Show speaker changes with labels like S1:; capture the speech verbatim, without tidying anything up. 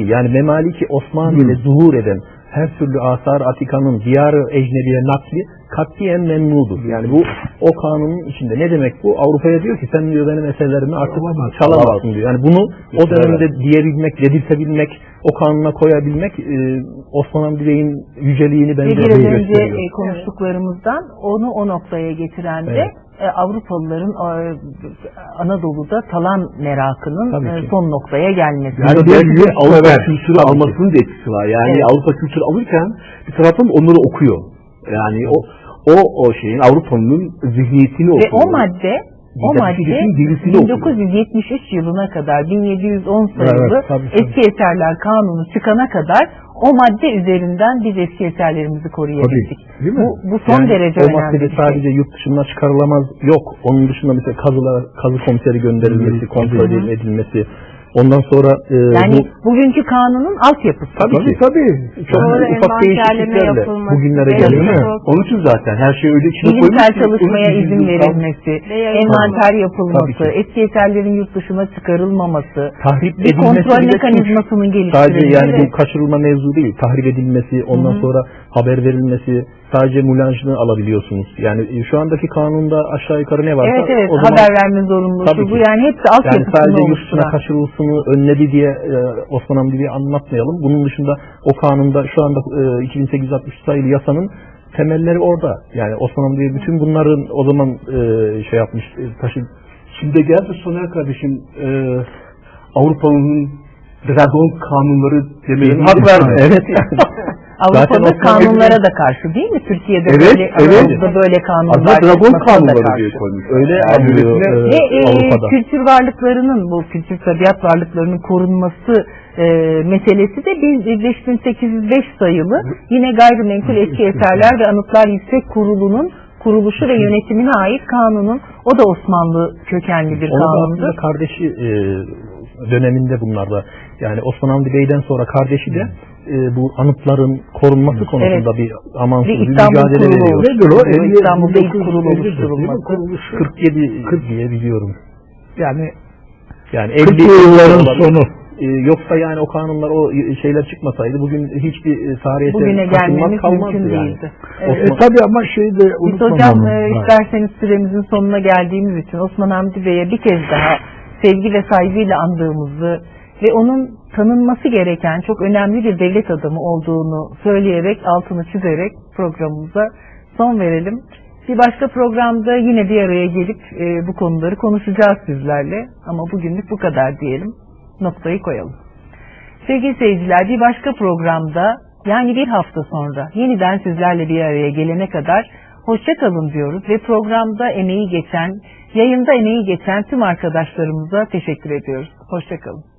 S1: değil. Yani Memaliki Osmaniye'de zuhur eden her türlü asar atikanın diyarı ecnebiye nakli katiyen memnudur. Yani bu o kanunun içinde. Ne demek bu? Avrupa'ya diyor ki sen diyor benim eserlerimi artık çalamazsın diyor. Yani bunu o dönemde diyebilmek, dedirtebilmek, o kanuna koyabilmek e, Osman Hamdi Bey'in yüceliğini bence
S2: biraz önce
S1: gösteriyor.
S2: e, konuştuklarımızdan onu o noktaya getiren de
S1: Evet.
S2: e, Avrupalıların e, Anadolu'da talan merakının e, son noktaya gelmesi.
S3: Yani belki Avrupa kültürü almasının da etkisi var. Yani
S2: evet.
S3: Avrupa kültürü alırken bir taraftan onları okuyor. Yani o o o şeyin Avrupa'nın zihniyetini okuyor.
S2: Ve o madde o madde bin dokuz yüz yetmiş üç yılına kadar bin yedi yüz on sayılı evet, tabii, tabii. Eski Eserler Kanunu çıkana kadar o madde üzerinden biz eski eserlerimizi koruyabildik. Bu, bu son yani derece
S1: o
S2: önemli.
S1: O maddede sadece yurt dışından çıkarılamaz yok. Onun dışında mesela kazılar, kazı komiseri gönderilmesi, kontrol Hı-hı. edilmesi. Ondan sonra e,
S2: yani
S1: bu,
S2: bugünkü kanunun altyapısı.
S1: Tabii tabii. tabii. Çok
S4: Sonra
S1: ufak değişikliklerle bugünlere
S3: geliyor değil mi? Onun için zaten her şey öyle içine koymuş.
S2: Bilimsel çalışmaya izin verilmesi, envanter yapılması, eski eserlerin yurt dışına çıkarılmaması,
S1: tahrip
S2: bir kontrol mekanizmasının geliştirilmesi.
S1: Sadece yani bu kaçırılma mevzu değil. Tahrip edilmesi, ondan Hı-hı. sonra haber verilmesi, sadece mulajını alabiliyorsunuz. Yani şu andaki kanunda aşağı yukarı ne varsa
S2: evet, evet,
S1: o zaman
S2: haber verme zorunluluğu bu yani hepsi altyapısında
S1: yani sadece yurt dışına kaçırılsını önledi diye e, Osman Hamdi diye anlatmayalım. Bunun dışında o kanunda şu anda e, iki bin sekiz yüz altmış sayılı yasanın temelleri orada. Yani Osman Hamdi diye bütün bunların o zaman e, şey yapmış e, taşı.
S3: Şimdi geldi Soner kardeşim e, Avrupa'nın dragon kanunları demeyin hak verme.
S1: Evet.
S2: Avrupa'da kanunlara da karşı değil mi? Türkiye'de
S3: evet,
S2: böyle,
S3: evet.
S2: böyle kanunlar.
S3: Aslında dragon kanunları diye koymuş.
S1: Öyle
S2: yani,
S1: e,
S2: ve e, kültür varlıklarının, bu kültür tabiat varlıklarının korunması e, meselesi de beş bin sekiz yüz beş sayılı yine Gayrimenkul Eski Eserler ve Anıtlar Yüksek Kurulu'nun kuruluşu ve yönetimine ait kanunun, o da Osmanlı kökenli bir kanundu.
S1: Onun kardeşi e, döneminde bunlarda, yani Osman Hamdi Bey'den sonra kardeşi de e, bu anıtların korunması konusunda evet. bir amansız bir mücadele veriyor.
S2: Nedir o? İstanbul'da ilk kurulu oluşturulması.
S1: kırk yedi kırk diye biliyorum.
S2: Yani
S1: yani elli yılların sonu. Ee, yoksa yani o kanunlar, o şeyler çıkmasaydı bugün hiçbir tarih
S2: eseri gelmemiz mümkün değildi.
S3: Evet. E, tabii ama şeyi de
S2: biz hocam e, isterseniz süremizin sonuna geldiğimiz için Osman Hamdi Bey'e bir kez daha sevgi ve saygıyla andığımızı ve onun tanınması gereken çok önemli bir devlet adamı olduğunu söyleyerek, altını çizerek programımıza son verelim. Bir başka programda yine bir araya gelip e, bu konuları konuşacağız sizlerle. Ama bugünlük bu kadar diyelim. Noktayı koyalım. Sevgili seyirciler, bir başka programda, yani bir hafta sonra yeniden sizlerle bir araya gelene kadar hoşça kalın diyoruz ve programda emeği geçen, yayında emeği geçen tüm arkadaşlarımıza teşekkür ediyoruz. Hoşça kalın.